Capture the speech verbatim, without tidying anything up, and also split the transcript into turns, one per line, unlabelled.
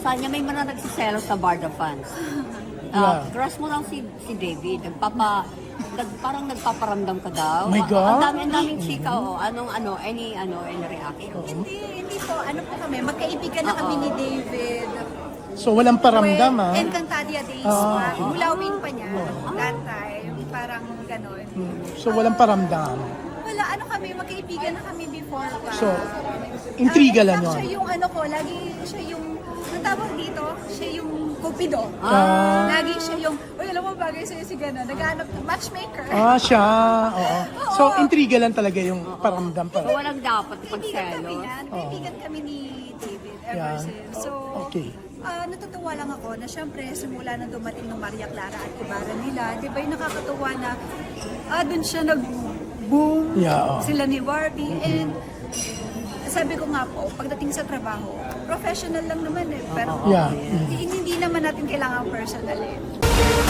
sabi niya may mga nagsiselo sa Barda fans. Uh,
Yeah.
Crush mo lang si si David. Nagpapa, nag, parang nagpaparamdam ka daw.
My God.
Ang dami, ang daming chika, oh. Anong, ano, any, ano, any reaction?
Hindi, hindi po. Ano po kami, magkaibigan na kami ni David.
So walang paramdam ah.
Encantadia Days
Ah.
pa. Mulawin pa niya. That time. Parang ganon.
So walang paramdam.
Wala, ano kami, magkaibigan na kami before pa.
So, intriga
Ah,
lang
in fact,
yun.
Siya yung ano ko, lagi siya yung, ang tawag dito, siya yung cupido.
Ah.
Lagi siya yung, uy, alam mo bagay sa'yo si gano'n, naghahanap ng matchmaker.
Ah, siya. Oo. So, intriga lang talaga yung paramdam
So,
pa.
walang dapat
Kaibigan kami
pagselos.
yan. Kaibigan kami ni David ever
Yan.
since. So,
Okay.
ah, natutuwa lang ako na syempre simula nang dumating ng Maria Clara at Ibarra nila, di ba yung nakakatuwa na ah, dun siya nag-boom,
Yeah, oh.
sila ni Warby, and sabi ko nga po, pagdating sa trabaho, professional lang naman eh, pero
Yeah.
hindi, hindi naman natin kailangan personal eh.